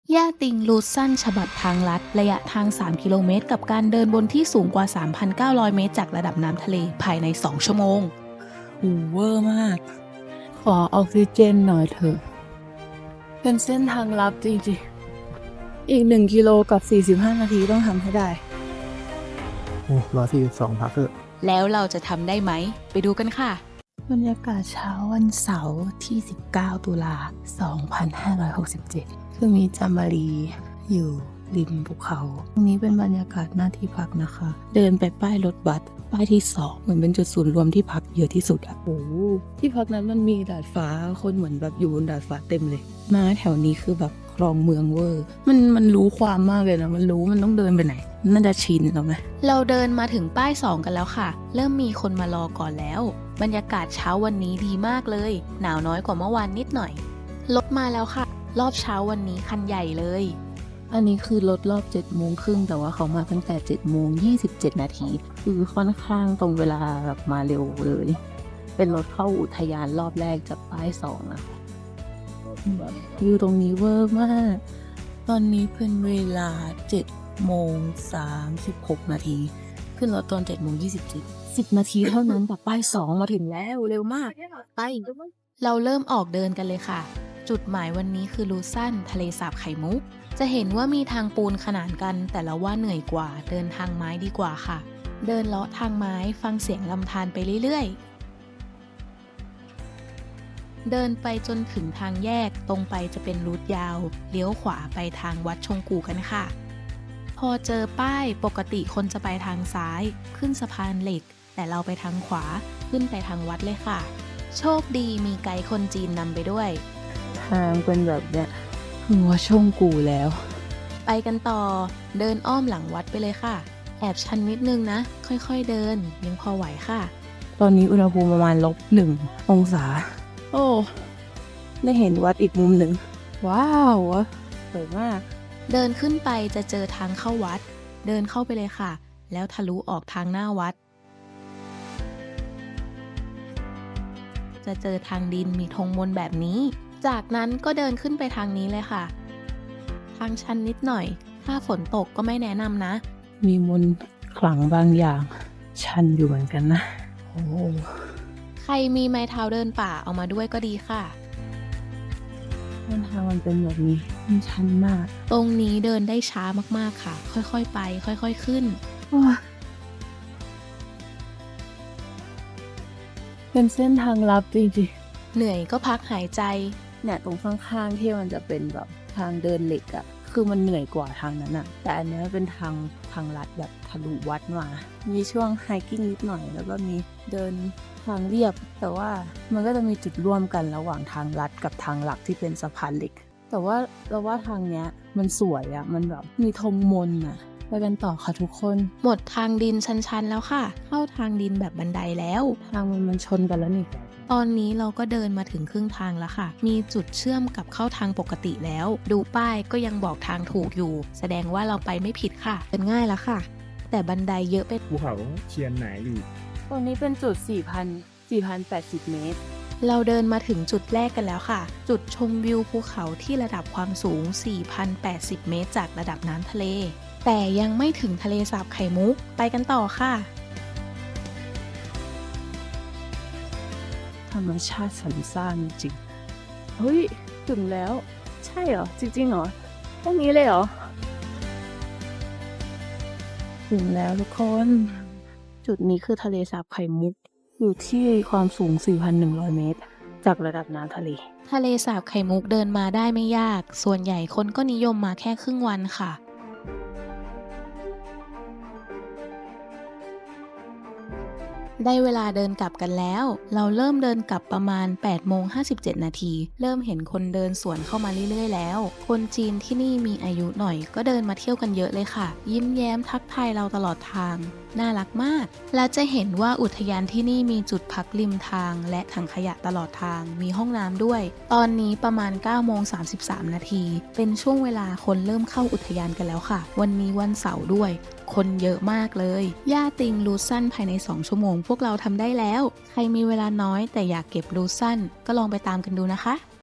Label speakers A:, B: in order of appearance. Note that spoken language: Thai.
A: ย่าติงรูทสั้นฉบับทางลัดระยะทาง 3 กิโลเมตรกับการเดินบนที่สูงกว่า 3,900 เมตรจากระดับน้ำทะเลภายใน 2 ชั่วโมง
B: หูเวอร์มาก ขอออกซิเจนหน่อยเถอะ เป็นเส้นทางลับจริงๆ อีก1 กิโลกับ 45 นาทีต้องทำให้ได้
C: โอ้142พักเถอะ
A: แล้วเราจะทำได้ไหม ไปดูกันค่ะ บรรยากาศเช้าวันเสาร์ที่ 19 ตุลา 2567 คือมีจามารีอยู่ริมภูเขา ตรงนี้เป็นบรรยากาศหน้าที่พักนะคะ เดินไปป้ายรถบัส ป้ายที่ 2 เหมือนเป็นจุดศูนย์รวมที่พักเยอะที่สุดอะ
B: โอ้โหที่พักนั้นมันมีดาดฟ้า คนเหมือนแบบอยู่บนดาดฟ้าเต็มเลย
A: มาแถวนี้คือแบบคลองเมืองเวอร์
B: มันรู้ความมากเลยนะ มันรู้มันต้องเดินไปไหน น่าจะชินแล้วไหม
A: เราเดินมาถึงป้าย 2 กันแล้วค่ะ เริ่มมีคนมารอก่อนแล้ว บรรยากาศเช้าวันนี้ดีมากเลย หนาวน้อยกว่าเมื่อวานนิดหน่อย รถมาแล้วค่ะ รอบเช้าวันนี้คันใหญ่เลย
B: อันนี้คือรถรอบ7 โมงครึ่งแต่ว่าเขามาตั้งแต่7 โมง 27 นาที คือค่อนข้างตรงเวลาแบบมาเร็วเลย เป็นรถเข้าอุทยานรอบแรกจากป้าย 2 นะแบบวิวตรงนี้เวอร์มาก ตอนนี้เป็นเวลา7 โมง 36 นาที ขึ้นรถตอน7 โมง 27 10 นาทีเท่านั้นแต่ป้าย 2 มาถึงแล้วเร็วมาก ไป
A: เราเริ่มออกเดินกันเลยค่ะ จุดหมายวันนี้คือลูซันทะเลสาบไข่มุก จะเห็นว่ามีทางปูนขนานกัน แต่เราว่าเหนื่อยกว่า เดินทางไม้ดีกว่าค่ะ เดินเลาะทางไม้ฟังเสียงลำธารไปเรื่อยๆ เดินไปจนถึงทางแยกตรงไปจะเป็นรูทยาว เลี้ยวขวาไปทางวัดชงกูกันค่ะ พอเจอป้ายปกติคนจะไปทางซ้ายขึ้นสะพานเหล็ก แต่เราไปทางขวาขึ้นไปทางวัดเลยค่ะ โชคดีมีไกด์คนจีนนำไปด้วย
B: ทางเป็นแบบเนี้ยหัวช่องกูแล้ว
A: ไปกันต่อเดินอ้อมหลังวัดไปเลยค่ะ แอบชันนิดนึงนะ ค่อยๆเดินยังพอไหวค่ะ
B: ตอนนี้อุณหภูมิประมาณ-1 องศา โอ้ ได้เห็นวัดอีกมุมหนึ่ง ว้าวสวยมาก
A: เดินขึ้นไปจะเจอทางเข้าวัด เดินเข้าไปเลยค่ะ แล้วทะลุออกทางหน้าวัด จะเจอทางดินมีธงมนต์แบบนี้ จากนั้นก็เดินขึ้นไปทางนี้เลยค่ะ ทางชันนิดหน่อย ถ้าฝนตกก็ไม่แนะนำนะ
B: มีมนต์ขลังบางอย่าง ชันอยู่เหมือนกันนะ โอ้
A: ใครมีไม้เท้าเดินป่าเอามาด้วยก็ดีค่ะ
B: เส้นทางมันเป็นแบบนี้มันชันมาก
A: ตรงนี้เดินได้ช้ามากๆค่ะ ค่อยๆไป ค่อยๆขึ้น
B: โอ้ยเป็นเส้นทางลับจริงๆ
A: เหนื่อยก็พักหายใจ
B: เนี่ยตรงข้างๆที่มันจะเป็นแบบทางเดินเหล็กอะคือมันเหนื่อยกว่าทางนั้นอะแต่อันเนี้ยเป็นทางลัดแบบทะลุวัดมา มีช่วงไฮกิ้งนิดหน่อยแล้วก็มีเดินทางเรียบ แต่ว่ามันก็จะมีจุดร่วมกันระหว่างทางลัดกับทางหลักที่เป็นสะพานเหล็ก แต่ว่าเราว่าทางเนี้ยมันสวยอะมันแบบมีธงมนต์อะไปกันต่อค่ะทุกคน
A: หมดทางดินชันๆแล้วค่ะ เข้าทางดินแบบบันไดแล้ว
B: ทางมันชนกันแล้วนี่
A: ตอนนี้เราก็เดินมาถึงครึ่งทางแล้วค่ะ มีจุดเชื่อมกับเข้าทางปกติแล้ว ดูป้ายก็ยังบอกทางถูกอยู่ แสดงว่าเราไปไม่ผิดค่ะเดินง่ายแล้วค่ะ แต่บันไดเยอะไป
C: ภูเขาเชียนไหนอีก
B: ตรงนี้เป็นจุด4,080 เมตร
A: เราเดินมาถึงจุดแรกกันแล้วค่ะ จุดชมวิวภูเขาที่ระดับความสูง 4,080 เมตรจากระดับน้ำทะเล แต่ยังไม่ถึงทะเลสาบไข่มุก ไปกันต่อค่ะ
B: ธรรมชาติสรรสร้างจริง เฮ้ย ถึงแล้ว ใช่เหรอ จริงๆเหรอ แค่นี้เลยเหรอ ถึงแล้วทุกคน จุดนี้คือทะเลสาบไข่มุก อยู่ที่ความสูง 4,100 เมตร จากระดับน้ำทะเล
A: ทะเลสาบไข่มุกเดินมาได้ไม่ยาก ส่วนใหญ่คนก็นิยมมาแค่ครึ่งวันค่ะ ได้เวลาเดินกลับกันแล้ว เราเริ่มเดินกลับประมาณ 8:57 นาที เริ่มเห็นคนเดินสวนเข้ามาเรื่อยๆแล้ว คนจีนที่นี่มีอายุหน่อยก็เดินมาเที่ยวกันเยอะเลยค่ะ ยิ้มแย้มทักทายเราตลอดทาง น่ารักมาก และจะเห็นว่าอุทยานที่นี่มีจุดพักริมทางและถังขยะตลอดทาง มีห้องน้ำด้วย ตอนนี้ประมาณ 9:33 นาที เป็นช่วงเวลาคนเริ่มเข้าอุทยานกันแล้วค่ะ วันนี้วันเสาร์ด้วย คนเยอะมากเลย ย่าติงรูทสั้นภายใน 2 ชั่วโมงพวกเราทำได้แล้ว ใครมีเวลาน้อยแต่อยากเก็บรูทสั้นก็ลองไปตามกันดูนะคะ